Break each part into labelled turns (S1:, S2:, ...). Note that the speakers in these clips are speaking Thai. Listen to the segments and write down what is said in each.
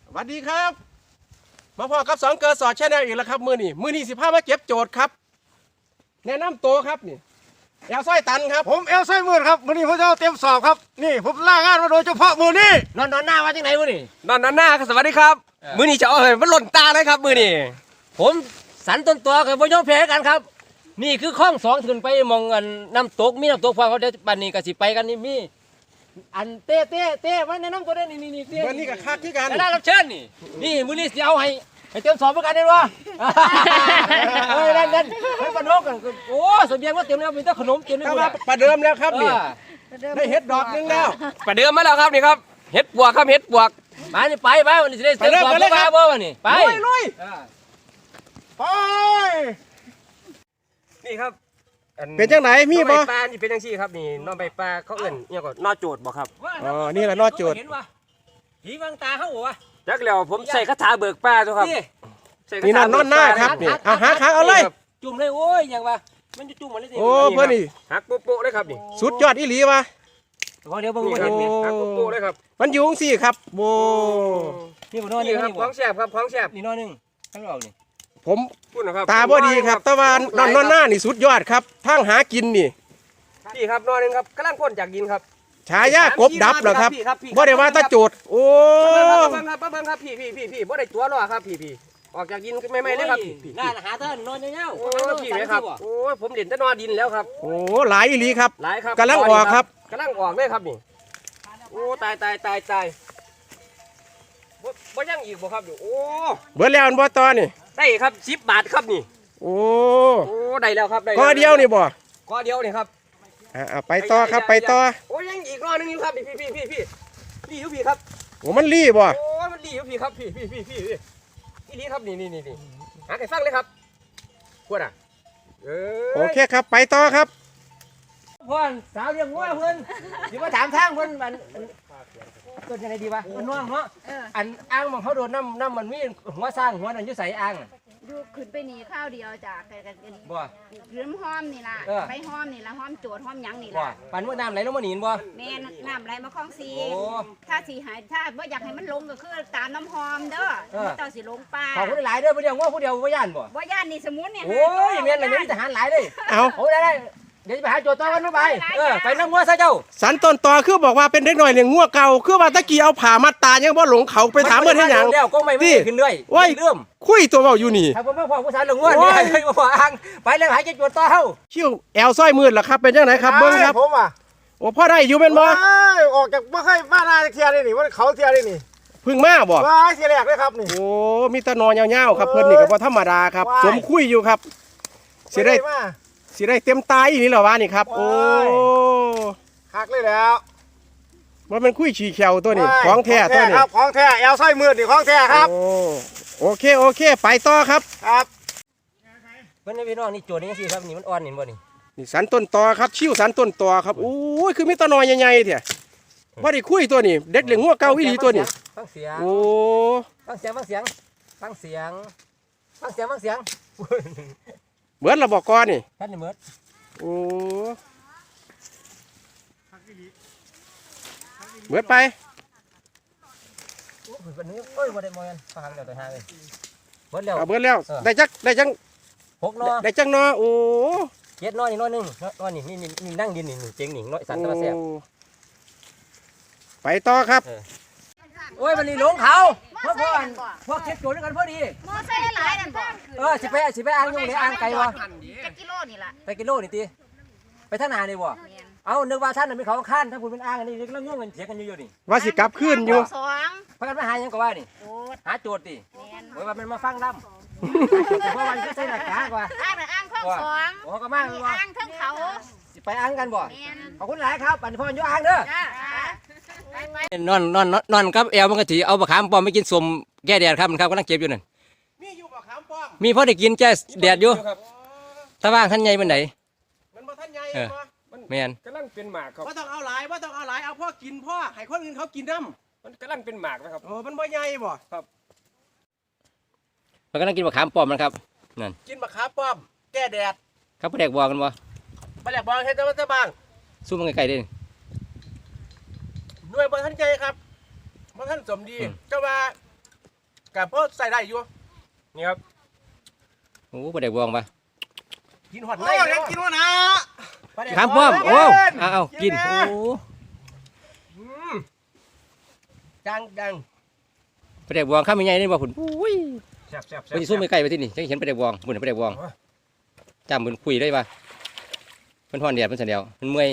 S1: สวัสดีครับมาพอกับ2 เกิดสอดแชนแนลอีกแล้วครับมือนี้สิพามาเก็บโจทย์ครับแนะนำตัวครับนี่แอลซ้อยตันครับ
S2: ผมเอลไซมืดครับมื้อนี้ผมจะเอาเต็มสอบครับนี่ผมล่างานมาโดยเฉพาะมื้อนี้
S3: นอนหน้าว่าจังไหนมื้อนี้
S4: นอนหน้าครับสวัสดีครับมื้อนี้จะเอาให้มันหล่นตาเลยครับมื้อนี้
S3: ผมสันต้นตัวกับบ่ยอมแพ้กันครับนี่คือข้องสองขึ้นไปมองอันน้ำตกมีน้ำตกพอเขาเดี๋ยวปันนี้ก็สิไปกันนี่มีอันเต้มันแนะนำตัวได้นี่เต้
S1: วันนี้กับคักที่กัน
S3: ได้รับเชิญนี่มื้อนี้สิเอาให้เต็มสอบเหมือนกันได้บ่เฮ้ยนั่นเฮ้ยปนกกันโอ้เสบียงว่าเต็มแล้วมีแต่ขนมเต็มเลย
S1: เข้ามาประเดิมแล้วครับนี่ได้เห็ดดอกนึงแล้ว
S4: ประเดิมมาแล้วครับนี่ครับเห็ดปวกครับเห็ดปวก
S3: มานี่ไปวันนี้สิได้เต็มสอบบ่วันนี้ไป
S1: ลุย
S2: ไป
S4: นี่ครับ
S1: เป็นจังไหนมีบ่
S4: น้องใบปลานี่เป็นจังซี่ครับนี่น้องใบปลาเขาเอิ้นเนี่ยก็นอโจดบ่ครับ
S1: อ๋อนี่แหละนอโจทย์
S3: เห็นว่ผีบางตาเฮาบ่วะ
S4: จักแล้วผมใส่คาถาเบิกปลาตัวครับใส่คา
S1: นี่
S4: ถาน
S1: อนหน้าครับนี่เอาหาขาเอาเลย
S3: จุ่มเลยโอ้ยอย่างว่ามันจะจุ่มมันเลยสิ
S1: โอ้เพื่อนนี่
S4: หักโป๊ะๆเลยครับนี่
S1: สุดยอดอีหลีวะ
S3: เดี๋ยวเบิ่ง
S4: นี่
S3: บ่
S4: ครั
S3: เห็
S4: บ
S3: น
S4: นี่
S3: เนี่ย
S4: หักโป๊ะๆเลยครับ
S1: มันอยู่จังซี่ครับโบ
S3: นี่บ่นอน
S4: นี่
S3: นี่
S4: ครับของแซ่บครับของแซ่บ
S3: นี่นอนนึงข้างนอกนี่
S1: ผม
S4: พูดนะครับ
S1: ตาบ่ดีครับแต่ว่านอนหน้านี่สุดยอดครับทางหากินนี่
S4: พี่ครับนอนนึงครับกำลังพ่นจากดินครับ
S1: ฉายากบดับเหรอครับ
S4: พี่
S1: บ่ได้ว่าตาโจทย์โอ้
S4: เบิ่งครับครับพี่บ่ได้ตัวหรอกครับพี่ออกจากดินไม่เลยครับพี่
S3: น่าหาเถินนอนยาว
S4: โอ้พี่ไหมครับโอ้ยผมเด่นแต่นอนดินแล้วครับ
S1: โอ้หลายอีหลีครับ
S4: หลายครับ
S1: กำลังออกครับ
S4: กำลังออกเลยครับนี่โอ้ตายบ่ยังอีกบ่ครับอยู่โอ้
S1: เบิดแล้วอันบ่ต่อนี่
S4: ได้ครับ10 บาทครับนี่
S1: โอ้
S4: โอ้ได้แล้วครับได้
S1: ก็เดียวนี่บ่
S4: ก็เดียวนี่ครับ
S1: ไปต่อครับไปต่อ
S4: โอ้ยังอีกรอบนึงอยู่ครับนี่พี่นี่อยู่พี่ครับ
S1: โอ้มันรีบ่
S4: โอ้มันดีอยู่พี่ครับพี่อีนี่ครับนี่หาไก่ฟังเลยครับขวดอ่ะ
S1: โอเคครับไปต่อครับ
S3: ๆพ่อนสาวเรียกงัวเพิ่นสิมาถามทางเพิ่นมันเกิดจังไดดีวะมันน้องเนาะอันอ่างมันเขาโดนน้ำมันมีหัวสร้างหัวนั่นอยู่ใส่อ่าง
S5: อยู่ขึ้นไปหนีข้าวเดียวจ้ะกันนี้
S3: บ่
S5: ยืมห้อมนี่ล่ะ
S3: เออ
S5: ไปห้อมนี่ล่ะห้อมโจดห้อมหยังนี่
S3: บ่
S5: ล่ะ
S3: ปันว่าน้ำไหลลงมาหนีนบ่
S5: แม่น้ำไหลมาคลองซี
S3: โอ้
S5: ถ้าสีหายถ้าบ่อยากให้มันลงก็คือตามน้ำหอมเด้อ
S3: เออ
S5: เจ้าสิลงป่า
S3: ขอบคุณหลายเด้อผู้เดียวงัวผู้เดียวบ่ย่านบ่
S5: บ่ย่านนี่สมุนเนี่ย
S3: โอ้ยแม่นเลยมีทหารหลายเลย
S1: เอา
S3: โอ้ได้เดี๋ยวจะไปหาโจทย์ต่อกันไปไปนั่งงัวซะเจ้า
S1: สันต้นต่อคือบอกว่าเป็นเด็กหน่อยเลี้ยงงัวเก่าคือว่าตะกี้เอาผ่ามัดตายังบ่หลงเขาไปถามเพิ่นให้หยัง
S3: แล้วก็ไม่ขึ้นด้วย
S1: โอ้ย
S3: เริ่ม
S1: คุยตัวเว้าอยู่นี่
S3: ถ้าผมมาพอผู้สาวหลงงัวนี่ให้มาพออ่างไปแล้วหาโจทย์ต่อเฮา
S1: คิ้วแอลซ้อยมืดล่ะครับเป็นจังไดครับเบิ่งครับ
S2: ผมอ่ะ
S1: โอ้พ่อได้อยู่เป็นบ่
S2: ว้ายออกจากบ่เคยบ้านนาเทียได้นี่ว่าเขาเทียได้นี่
S1: เพึ่งมาบ่
S2: ว้ายเทียแรกเลยครับนี่
S1: โอ้มีแตะนอยาวๆครับเพิ่นนี่ก็บ่ธรรมดาครับ
S2: ว้าย
S1: สมคุยอยู่ครับสิได้
S2: มา
S1: สิได้เต็มตาอีนี่เหรอวะนี่ครับโอ้
S2: ว้าย หักเลยแล้ว
S1: ว่ามันคุยฉี่แขวตัวนี้
S2: ว้าย
S1: ของแท้ตัวนี้
S2: ครับของแท้เอลไซมืดนี่ของแท้ครับ
S1: โอ้โอเคไปต่อครับ
S2: ครับ
S3: เพิ่นพี่น้องนี่โจทย์นี่สิครับนี่มันอ่อนนี่บ่นี่
S1: นี่สันต้นตอครับชิวสันต้นตอครับโอ้ยคือมีแตะนอยใหญ่ๆเถอะบ่ได้คุยตัวนี้เด็กเลี้ยงงัวเก่าอีหลีตัวนี้
S3: ฟังเสียง
S1: โอ้
S3: ฟังเสียง
S1: เบิดละบอกก่อนนี่
S3: ท่านนี่เมิด
S1: โอ้เบิดไป
S3: โอ้ยวันนี้โอ้ยบ่ได้มอกันฟังแล้วแต่หาเลยเบิดแล้ว
S1: เอาเบิดแล้ว
S3: เออ
S1: ได้จัง
S3: 6นอ
S1: ได้จังนอโอ้
S3: 7นอนี่นอนึงนอนี่นี่นั่งดินนี่เจ๋งนี่น้อยสันตะแซ่บ
S1: โอ้ไปต่อครับ
S3: โอ้ยวันนี้หลงเขาพวกเก็บโจทย์ด้วยกันพอดี
S5: มอไซค์หลายๆนั่นบ่
S3: สิไปอ่างอยู่เลยอ่างไกลบ่
S5: จักกิโลนี่ล่ะ
S3: ไปกิโลนี่ติไปทางหน้านี่บ่
S5: แม่น
S3: เอานึกว่าท่านน่ะมีเขาข้านถ้าคุณเป็นอ่างอันนี้กำลังยุ่งกันเถียงกันอยู่นี่
S1: ว่าสิกลับขึ้นอยู่
S5: สอง
S3: พากันมาหาหยังก็ว่านี่
S5: โจด
S3: หาโจทย์ติ
S5: แม่น
S3: โอ้ยว่ามันมาฟังล่ำเพราะวันก็ใส่หน้ากากว่า
S5: อ้างคลองสอง
S3: โอ้ก็มา
S5: มี
S3: ว่า
S5: อ้างเทั้งเขา
S3: สิไปอ่างกันบ่
S5: แม่น
S3: ขอบคุณหลายครับปันพ่ออยู่อ่างเด้อ
S5: จ้าไป
S3: นอนครับแอลมันก็ถือเอาบะขามปอมไปกินสมแก้แดดครับมันครับกำลังเก็บอยู่นั่น
S1: มีอยู่บ่ขามป้อม
S3: มีพอได้กินแก้แดดอยู่ถ้าว่างท่านใหญ่เป็นไหน
S1: มันบ่ทันใหญ่
S3: เออ
S1: บ่
S3: แม่น
S4: กำลังเป็นหมากครับ
S1: บ่ต้องเอาหลายเอาพ่อกินพ่อให้คนอื่นเขากินน้
S4: มันกำลังเป็นหมากนะครับ
S1: ำโอ้มันบ่ใหญ่บ่
S3: มันกำลังกินบะขามปอมมันครับ
S1: กินบักขามป้อม แก้แดด
S3: ครับพ่อแดกบอกกันบ่
S1: บ่แลกบ่เฮ็ดแต่ว่าแต่บาง
S3: สู้มันไกลๆเด้
S1: หน่วยบ่ทันใหญ่ครับบ่ทันสมดี
S3: อืม
S1: ก็ว่ากับเพิ่ใส่ได้อยู่
S4: นี่ครับ
S3: โอ้บ่ได้บวงปะ
S1: กินหอด
S2: โอ้
S1: ใน
S2: ยอยากกินวะนะ
S3: ครับพ่อมโอ้เอากินโอ้
S1: ดังดัง
S3: บ่ได้บวงข้ามยังไงนี่บ่พุ่นอุ้ย
S4: แซ่บแซ่บ
S3: ไปสิซุ่มไปใกล้ไปที่นี่จังเห็นบ่ได้บวงพุ่นบ่ได้บวงจำเพิ่นคุยได้ปะเพิ่นฮ้อนแดดเพิ่นซั่นแล้วเพิ่นเมื่อย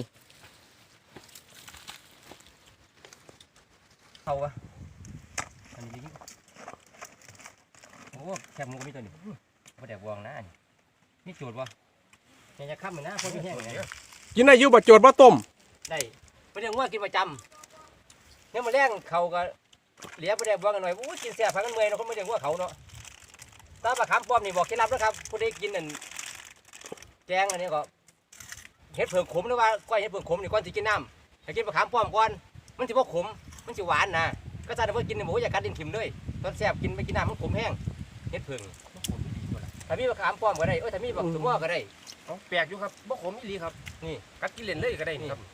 S4: เข้าวะ
S3: อันนี้ดิโอ้แคบหมูก็มีตัวนี้บ่ได้บวงนะอันนี้มีโจทย์บ่ยังจะค้ำมันนะคนมีแห้งไง
S1: กินได้อยู่บ่โจดบ่ต้ม
S3: ได้ไปเรื่องว่ากินประจำเนี่ยมาแรงเขาก็เหลียไปได้บวงกันหน่อยอู้กินแซ่บพังกันเมื่อยเนาะคนไม่เรื่องว่าเขาเนาะตาปลาขามป้อมนี่บอกเคล็ดลับนะครับผู้ใดกินนั่นแกงอันนี้ก็เห็ดเผือกขมหรือว่าก้อยเห็ดเผือกขมนี่ก่อนสิกินน้ำให้กินปลาขามป้อมก่อนมันสิบ่ขมมันสิหวานนะก็ถ้าเรากินเนี่ยบอกว่าอย่ากัดดินถิ่มเลยตอนแซ่บกินไปกินน้ำมันขมแห้งเห็ดเผือกมันขมดีกว่าล่ะถ้ามีปลาขามป้อมก็ได้ถ้ามีบักสมอก็ได้
S4: เอาแปลกอยู่ครับบ่ขมอีหลีครับ
S3: นี่
S4: กัดกินเล่นเลยก็ได้นี่ครับ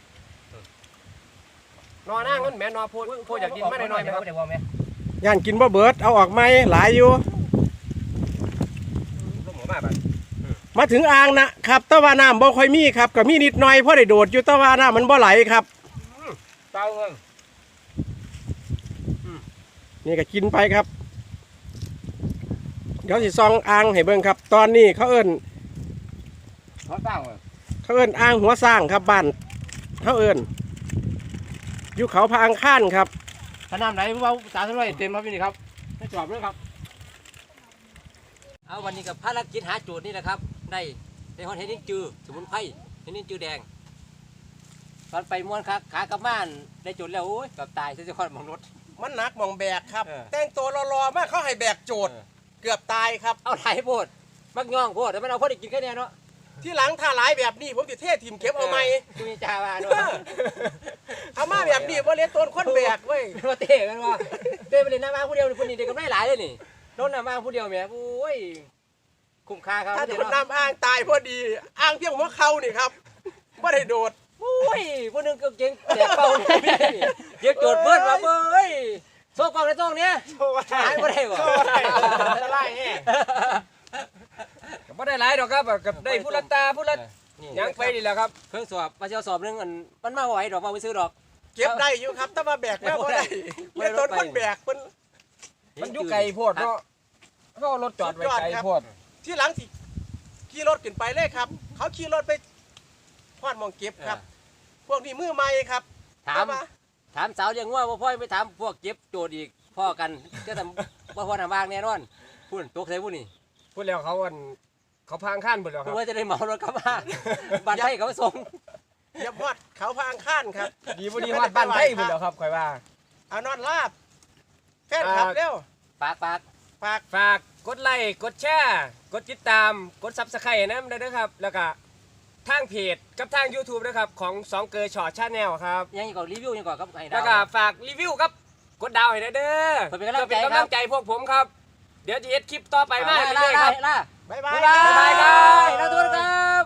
S4: นอหน้าเงินแม่นอโพดโพดอยากกินมาหน่อยๆไหมครับ
S3: ได้บ่แม่
S1: ย่านกินบ่เบิดเอาออกไหมหลายอยู่
S4: ลูกหมูมาบัด
S1: มาถึงอ่างนะครับแตะว่าน้ำบ่ค่อยมีครับก็มีนิดหน่อยเพราะได้โดดอยู่แตะว่าน้ำมันบ่ไหลครับ
S3: เต้าเงิน
S1: นี่ก็กินไปครับ เดี๋ยวสิซองอ่างให้เบิ่งครับ ตอนนี้เขาเอิ้น
S3: เขาเต้าเงิน
S1: เขาเอิ้นอ่างหัวสร้างครับบ้านเขาเอิ้นอยู่เขาพระอังคารครับ
S3: ถ้าน้ำไหลว่าสามสิบร้อยเต็มครับพี่นี่ครับไม่จอบเลยครับเอาวันนี้กับภารกิจหาโจทย์นี่แหละครับได้ฮอดเห็ดลิ้นจือสมุนไพรเห็ดลิ้นจือแดงตอนไปม้วนขากลับบ้านได้โจทย์แล้วโอ้ยกับตายเสียคนมองรถ
S1: มันหนักมองแบกครับ
S3: เออ
S1: แต่งตัวรอๆมากเขาให้แบกโจทย์ เกือบตายครับ
S3: เอาไหลโพดมักย่องโพดแต่มันเอาพอได้กินแค่เนี้ยเนาะ
S1: ที่หลังถ้าหลายแบบนี้ผมติเททีมเก็บเอาไหม
S3: คุยจาว่าเนาะ
S1: เอามาแบบนี้ว่าเลี้ยงต้นคนแบกเว้ย
S3: มาเตะกันว่าเตะไปเลยน้ำมาผู้เดียวคนนี้เด็กก็ได้หลายเลยนี่โดนน้ำมาผู้เดียวแม่โอ้ยคุ้มค่าครับ
S1: ถ้าโดนน้ำอ่างตายพอดีอ่างเพียงหัวเข่านี่ครับไม่ได้โดด
S3: โอ้ยผู้หนึงก็เก่งแต่เป่าเนี่ยเดี๋ยวโจทย์เบิดมาเบ้ยโซ่กองในตรงเนี้ยหายไม่ได้บ่
S1: จะไล่แห่
S4: ก็บ่ได้หลายดอกครับกับได้ผู้ละตาผู้ละยังไปนี่แหละครับ
S3: เครื่องสอบมาเชียวสอบนึงมันมาไหวดอกมาไปซื้อดอก
S1: เก็บได้อยู่ครับถ้ามาแบกมาบ่ได้เลี้ยงต้นคนแบกมัน
S4: มันอยู่ไกลโพดเนาะเขาเอารถจอดไว้ไกลโพด
S1: ที่หลังที่ขี่รถขึ้นไปเลยครับ เขาขี่รถไปพอดมองเก็บครับ พวกนี้มือใหม่ครับ
S3: ถามสาวเลี้ยงงัวว่าพ่อไปถามพวกเก็บโจทย์อีกพ่อกันจะทำว่าพ่อทำบ้างแน่นอนพูดตกใส่พูดนี่
S4: พูดแล้วเขาพางข้านหมดแล้วค
S3: พู
S4: รั
S3: ด
S4: บ
S3: ว่าจะได้เหมารถกลับมาบ้านไทยเขาส่ง
S1: อย่าพอดเขาพางข้านครับ
S4: ดีบ่ดีฮอดบ้านไทยหมดแล้วครับข่อยว่า
S1: เอานอนลาบแฟนครับเร็ว
S3: ปาก
S1: ฝาก
S4: ฝากกดไลค์กดแชร์กดติดตามกด Subscribe นะได้ด้วยครับ แล้วก็ทางเพจกับทาง YouTube นะครับของ2เกอร์ช็อตชาแนลครับ
S3: ยังก่อนรีวิวยังก่อนครับไอ้ดา
S4: แล้ว
S3: ว
S4: ก็ฝากรีวิวครับกดดาวให้ได้เด้อ
S3: เพื่อเป็นกำลังใจ
S4: เพื่อเป็นกำลังใจพวกผมครับ เดี๋ยวจะเฮ็ดคลิปต่อไปมาก
S3: ล่า
S4: เรื่อยๆครับ
S1: บ๊ายบา
S3: บ๊าย ยบาย
S4: บ๊ายบายครับ
S3: ลาตัวครับ